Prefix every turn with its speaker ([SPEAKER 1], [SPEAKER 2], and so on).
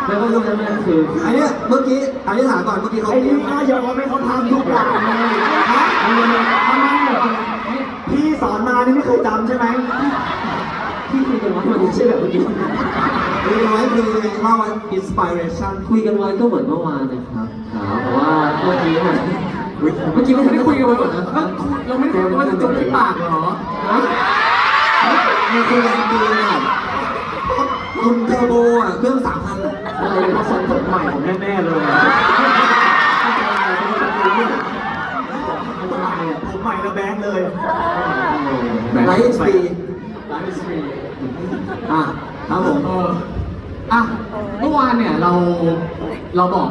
[SPEAKER 1] แล้วก็รูปนั้นมันคือ
[SPEAKER 2] อันเนี้ยเมื่อกี้อันนี้ถามก่อนเมื่อกี้เขา
[SPEAKER 3] ไอ้
[SPEAKER 2] เตรี
[SPEAKER 3] นี่
[SPEAKER 2] ยม
[SPEAKER 3] ก็ยอมให้เขาทำทุกอย่างเลยฮะทำไมพี่สอนมานี่ไม่เคยจำใช่ไหม
[SPEAKER 1] ที่คุยกันไว้มันไม่ใช่แบบเมื่อกี้
[SPEAKER 2] เรียกไว้คือเล่าว่าอินสปิเรชัน
[SPEAKER 1] คุยกันไว้ก็เหมือนเมื่อวานนะครับแต่ว่าเมื่อกี้มันไม่ได้คุยกันไว้หมดนะเราไม่ได้คุยกันว่าจะจบที่ปากเหรอ
[SPEAKER 2] มันคือแรงดีอ่ะคุณเทอร์โบอ่ะเครื่อง3,000อ่ะ
[SPEAKER 1] อะไรก็ทรงผมใหม่ผมแน่ๆเลย
[SPEAKER 3] ผมใหม่ระแบงเลย
[SPEAKER 2] ไลท์สปีด
[SPEAKER 1] ไลฟ์สตรีม
[SPEAKER 2] อ่ะครับผม
[SPEAKER 1] อ่ะเมื่อวานเนี่ยเราบอก